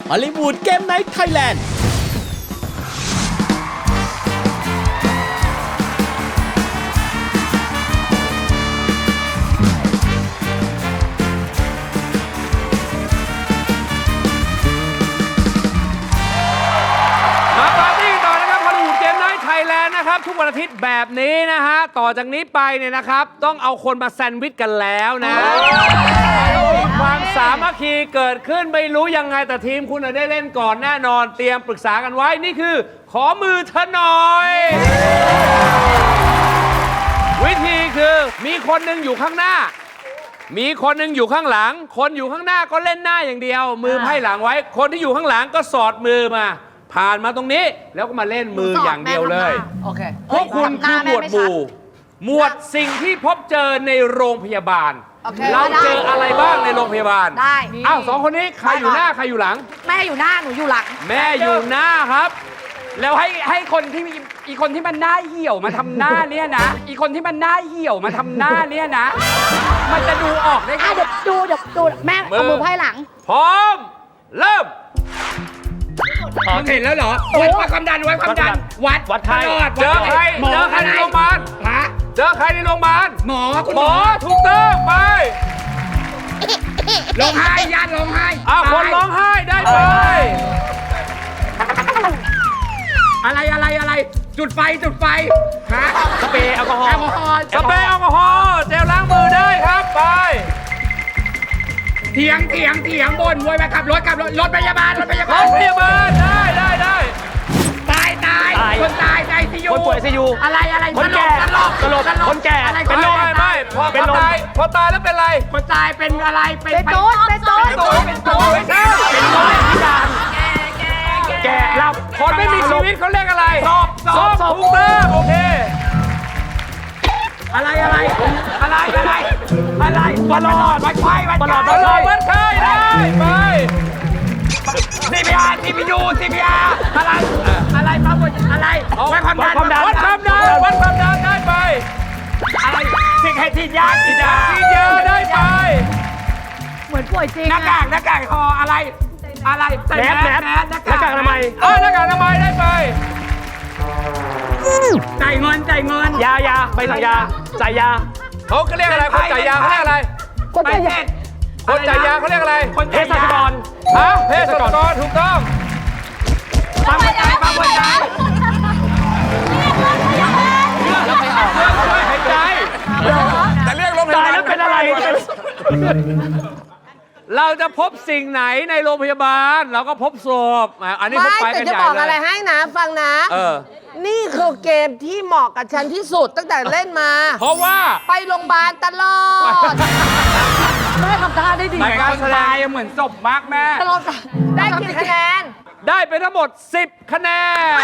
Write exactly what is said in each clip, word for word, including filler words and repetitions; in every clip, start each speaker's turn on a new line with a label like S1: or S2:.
S1: ฮอลลีวูดเกมไนท์ไทยแลนด์
S2: นะครับทุกวันอาทิตย์แบบนี้นะฮะต่อจากนี้ไปเนี่ยนะครับต้องเอาคนมาแซนด์วิชกันแล้วนะมีความสามัคคีเกิดขึ้นไม่รู้ยังไงแต่ทีมคุณได้เล่นก่อนแน่นอนเตรียมปรึกษากันไว้นี่คือขอมือเธอหน่อยวิธีคือมีคนหนึ่งอยู่ข้างหน้ามีคนหนึ่งอยู่ข้างหลังคนอยู่ข้างหน้าก็เล่นหน้าอย่างเดียวมือไพ่หลังไว้คนที่อยู่ข้างหลังก็สอดมือมาผ่านมาตรงนี้แล้วก็มาเล่นมืออย่างเดียวเลย
S3: โอเค
S2: พวกคุณคือหมวดหมู่หมวดสิ่งที่พบเจอในโรงพยาบาลเราเจออะไรบ้างในโรงพยาบาล
S3: ได้
S2: อ้าวสองคนนี้ใครอยู่หน้าใครอยู่หลัง
S3: แม่อยู่หน้าหนูอยู่หลัง
S2: แม่อยู่หน้าครับ
S4: แล้วให้ให้คนที่อีคนที่มันหน้าเหี่ยวมาทำหน้าเนี่ยนะอีคนที่มันหน้าเหี่ยวมาทำหน้าเนี่ยนะมันจะดูออกได้
S3: เดี๋ยวดูเดี๋ยวดูแม่เอามือไพ่หลัง
S2: พร้อมเริ่ม
S4: มึงเห็นแล้วเหรอวัดความดันวัดความดันวัด
S2: วัดใครเจอใครเจอใครในโรงพยาบาล
S4: ฮะ
S2: เจอใครในโรงพยาบาล
S4: หมอคุณ
S2: หมอถูกต้องไป
S4: ร้องไห้ญาติร้องไห้
S2: อ้าวคนร้องไห้ได้ไป
S4: อะไรอะไรอะไรจุดไฟจุดไฟฮะ
S2: สเปรย์แอลกอฮอล์
S4: ส
S2: สเปรย์แอลกอฮอล์เจลล้างมือได้ครับไป
S4: เถียงเถียงเถียงบนมวยมาขับรถขับรถรถพยาบาลรถพยาบาล
S2: รถพยาบาลได้ได้ได้
S4: ตายตายคนตายในซียู
S2: คนป่วยซียู
S4: อะไรอะไร
S2: คนแก่
S4: ตลก
S2: ตลกคนแก่เป็นลมไม่ไม่พอตายพอตายแล้วเป็นไร
S4: คนตายเป็นอะไรเป็น
S3: เป็นตูดเป็นตูด
S4: เป็นตูดไม่ใช่เป็นตูดพิการ
S2: แก่เราคนไม่มีชีวิตเขาเรียกอะไร
S4: ศพศพ
S2: ศพถูกต้องโอเค
S4: อะไรอะไรอะไรอะไรอะไรบอลอดวัดไข้วัดไข้
S2: บอลอดวัดไข้ได้ไป
S4: ซีพีอาร์ซีพียูซีพีอาร์อะไรอะไรปั๊มอะไรวัดความดัน
S2: วัดความดันวัดความดันได้ไป
S4: อะไรสิ่งให้ทียาทียา
S2: ทียาได้ไป
S3: เหมือนป่วยจริง
S4: หน้ากากหน้ากากคออะไรอะไร
S2: แมสแมส
S4: หน้ากาก
S2: อนามัยเออหน้ากากอนามัยได้ไป
S4: จ่ายเงินจ่ายเงิน
S2: ยายาใบสั่งยาจ่ายยาเขาเรียกอะไรคนจ่ายยาเขาเรียกอะไร
S3: คนจ่ายยา
S2: คนจ่ายยาเขาเรียกอะไร
S4: เภสัชกร
S2: ฮะเภสัชกรถูกต้อง
S4: ปั๊มหัวใจปั๊มหัวใจ
S2: หายใจแต่เรียกโรงพยาบาลแล้วเป็นอะไรเราจะพบสิ่งไหนในโรงพยาบาลเราก็พบศพอันนี้พบไปกันใหญ่เลย
S5: ไม่แต่จะบอกอะไรให้นะฟังนะ
S2: เออ
S5: นี่คือเกมที่เหมาะกับฉันที่สุดตั้งแต่เล่นมา
S2: เพราะว่า
S5: ไปโรงพยาบาลตลอด
S3: แม่ทำท่าได้ดี
S4: ในการแสดงเหมือนศพมากแม่
S5: ตลอดได้กี่คะแนน
S2: ได้ไปทั้งหมดสิบคะแนน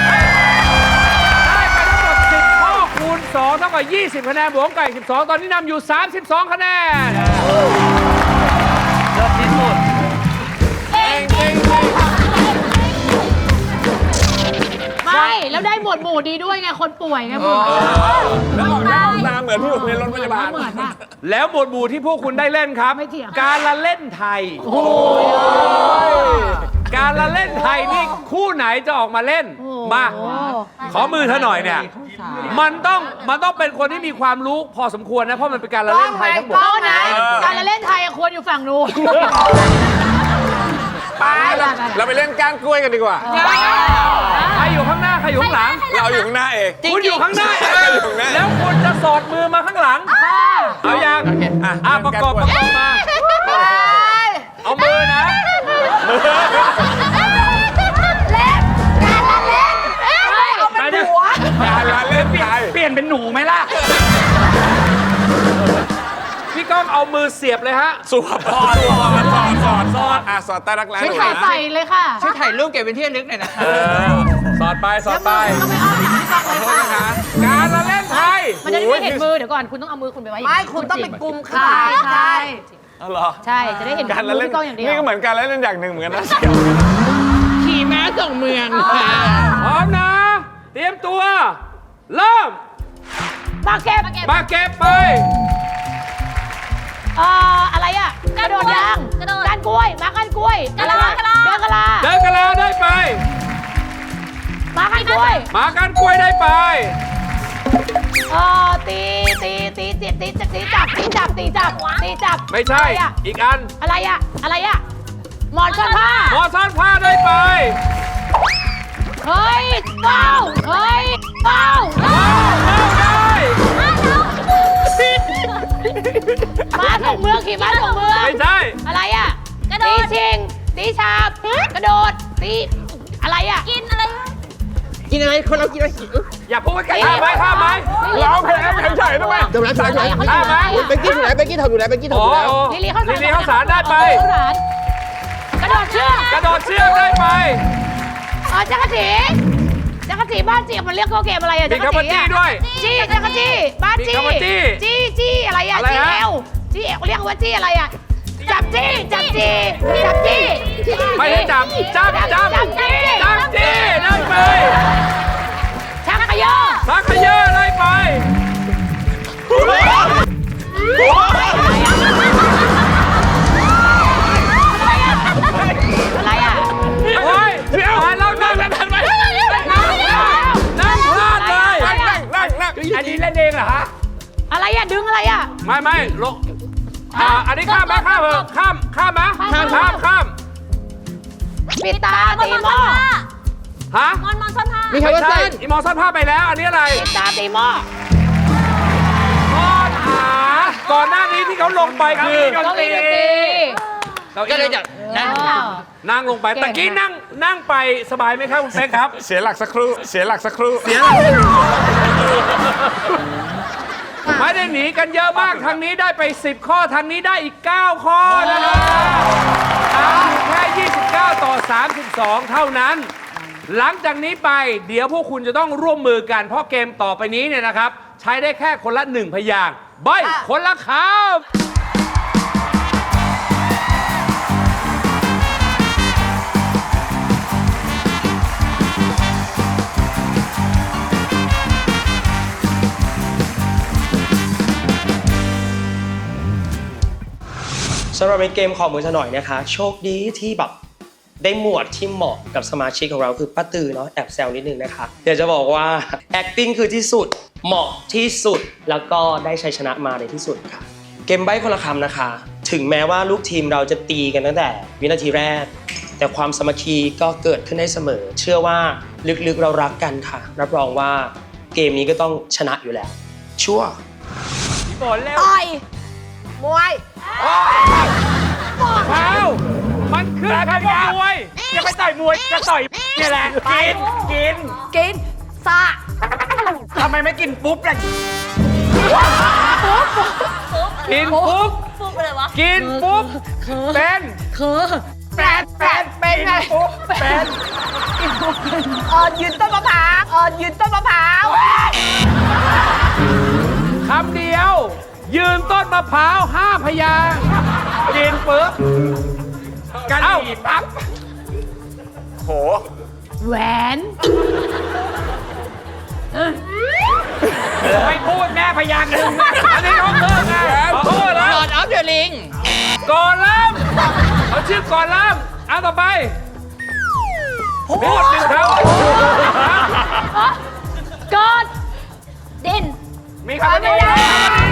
S2: ได้ไปทั้งหมดสิบข้อคูณสองเท่ากับยี่สิบคะแนนบวกไก่สิบสองตอนนี้นำอยู่สามสิบสองคะแนนเลิศที่สุดเองเอง
S3: ไม่แล้วได้หมวดหมู่ดีด้วยไงคนป่วยไงหมวด
S2: แล้วหน้าตาเหมือนที่อยู่ในรถพยาบาลแล้วหมวดหมู่ที่พวกคุณได้เล่นครับการละเล่นไทยการละเล่นไทยนี่คู่ไหนจะออกมาเล่นมาขอมือเธอหน่อยเนี่ยมันต้องมันต้องเป็นคนที่มีความรู้พอสมควรนะเพราะมันเป็นการละเล่นไทยทั้งหมด
S3: นะการละเล่นไทยควรอยู่ฝั่งนู้น
S2: ไปเราไปเล่นก้านกล้วยกันดีกว่าใครอยู่ข้างหน้าใครอยู่ข้างหลังเราอยู่ข้างหน้าเองคุณอยู่ข้างหน้าเองแล้วคุณจะสอดมือมาข้างหลังเอาอย่างอ่ะประกอบประกอบมาเอามือนะ
S3: เล่นการละเล่นเอาเป็นหัว
S2: การละเล่น
S4: เปลี่ยนเป็นหนูไหมล่ะ
S2: พี่ก้องเอามือเสียบเลยฮะสวบสอดสอดสอดสอดสอดอ่ะสอดใต้รักแร้
S3: ช่วยถ่ายใส่เลยค่ะ
S4: ช่วยถ่ายรูปเก็บเป็นที่ระลึกหน่อยนะ
S2: สอดไปสอดไปขอโทษนะคะการละเล่นไทย
S3: มันจะไม่เห็นมือเดี๋ยวก่อนคุณต้องเอามือคุณไปไว้
S5: ไม่คุณต้องไปกุมขา
S3: ใช่
S2: อ๋อเหรอ
S3: ใช่จะได้เห็น
S2: การละเล่นนี่ก็เหมือนการละเล่นอย่างหนึ่งเหมือนกันนะ
S4: ขี่ม้าส่งเมือง
S2: พร้อมนะเตรียมตัวเริ่ม
S3: มาเก็บ
S2: มาเก็บไป
S3: เอ่ออะไรอ่ะกระโดดยางก้านกล้วยมาก้านกล้วยอะไรเดินอะไรล้วย
S2: หมาก้านกล้วยได้ไป
S3: เออตีตีตีตีตีตีตีจับตีจับตีจับตีจับ
S2: ไม่ใช่
S3: อะไรอะ
S2: อีกอัน
S3: อะไรอะอะไรอะหมอนซ่อนผ้า
S2: หมอซ่อนผ้าได้ไป
S3: เฮ้ยเป้าเฮ้ยเป้า
S2: เข้าได้
S3: ม้าส่งเมืองขี่ม้าส่งเมือง
S2: ไม่ใช่
S3: อะไรอะตีชิงตีฉาบกระโดดตีอะไรอะกินอะไร
S5: กินอะไรคนเรากินอะไร
S2: อย่าพูดกันข้ามไหมข้ามไหม
S4: ร้องเพลงเฉยๆทำไม
S5: เดี๋ยวนะเดี๋ยวนะ
S2: ข้ามไหม
S5: เบกกี้ถูกไหนเบกกี้ถูกอยู่ไหนเบกกี้ถูก
S2: อ๋
S5: อ
S2: อยู่
S5: แล้ว
S3: ลิลี่เข้าสาร
S2: ลิลี่เข้าสารได้ไป
S3: เข้าสารกระโดดเชือก
S2: กระโดดเชือกได้ไป
S3: เออจักรจีจักรจีบ้านจีมันเรียกเขาเกมอะไรอะ
S2: มี
S3: จักร
S2: คำว่า
S3: จี
S2: จี้
S3: อะ
S2: ด้วย
S3: จี้จักรจีบ้าน
S2: มี
S3: จี
S2: คำว่าจี้
S3: จี้จี้อะไรอะ
S2: อะไร
S3: จี้
S2: ฮะ
S3: เอวจี้เอวเรียกว่าจี้อะไรอะจับจี้จับจี้จับจี้
S2: ไม่ได้จับจับจับ
S3: จับจี้
S2: จับจี้ได้ไป
S3: ชักขยอ
S2: สักขยะได้ไป
S3: อะไรอะ
S2: โอ้ยเดี๋ยวเรานั่งนั่งนั่งไปนั่งพลาดเลย
S3: อะไรอะ
S2: นั่งนั่ง
S4: อันนี้เล่นเองเหรอฮะ
S3: อะไรอะดึงอะไรอะ
S2: ไม่ไม่ลงอ่าอันนี้ข้ามไหมข้ามเหรอข้ามข้ามไหมข้ามข้ามข้าม
S3: ปิดตาตีหม้อ
S2: ฮะ
S3: มอนมอนซ่อนผ้า
S5: มีคำว่า
S2: ใช่
S5: เส้น
S2: อีมอซ่อนผ้าไปแล้ว อันนี้อะไร
S3: ปิดตาตีหม้อ
S2: ซ่อนหาก่อนหน้านี้ที่เขาลงไปคือ
S3: เก้าอี้ดนตรี
S2: ก็เลยจะนั่งลงไปตะกี้นั่งนั่งไปสบายไหมครับคุณเป๊กครับ
S4: เสียหลักสักครู่ เสียหลักสักครู่
S2: เสียไม่ได้หนีกันเยอะมากทางนี้ได้ไปสิบข้อทางนี้ได้อีกเก้าข้อนะครับตามอยู่แค่ยี่สิบเก้าต่อสามสิบสองเท่านั้น หลังจากนี้ไปเดี๋ยวพวกคุณจะต้องร่วมมือกันเพราะเกมต่อไปนี้เนี่ยนะครับ ใช้ได้แค่คนละหนึ่งพยางค์ใบคนละคำ
S6: สำหรับในเกมขอมือซะหน่อยนะคะ โชคดีที่แบบได้หมวดที่เหมาะกับสมาชิกของเราคือป้าตือเนาะแอบแซวนิดนึงนะคะเดี๋ยวจะบอกว่า acting คือที่สุดเหมาะที่สุดแล้วก็ได้ชัยชนะมาในที่สุดค่ะ เกมใบ้คนละคำนะคะ ถึงแม้ว่าลูกทีมเราจะตีกันตั้งแต่วินาทีแรก แต่ความสามัคคีก็เกิดขึ้นได้เสมอ เชื่อว่าลึกๆเรารักกันค่ะ รับรองว่าเกมนี้ก็ต้องชนะอยู่แล้ว ชัวร์
S2: ฝนเร็ว
S3: ต่อย
S5: มวย
S2: เท้ามันขึ้นคำว่ามวย
S4: จะไปต่อยมวย จะต่อยเนี่ยแหละ กิน กิน
S3: กินสะ
S4: ทำไมไม่กินปุ๊บล่ะ
S2: กินปุ๊บ
S3: ฟุกเลยวะ
S2: กินปุ๊บเป็น
S4: แปดแปดเป็นไงปุ๊บเป็น
S5: เออยืนต้นมะพร้าวเออยืนต้นมะพร้าว
S2: คำเดียว ยืนต้นมะพร้าวห้าพยางค์กินปุ๊บ
S4: กัน
S2: เอ้า
S4: หนีปั๊บโห
S3: แหวน
S4: ไม่พูดแม่พยางค์หนึ่ง
S2: อันนี้เขาเพิ่มไงขอโทษแล้ว
S5: ออฟเดอะลิง
S2: ก่อนล่ามเขาชื่อก่อนล่ามเอาต่อไปพูดหนึ่งค
S3: กอดดิน
S2: ำมีคำว่าดี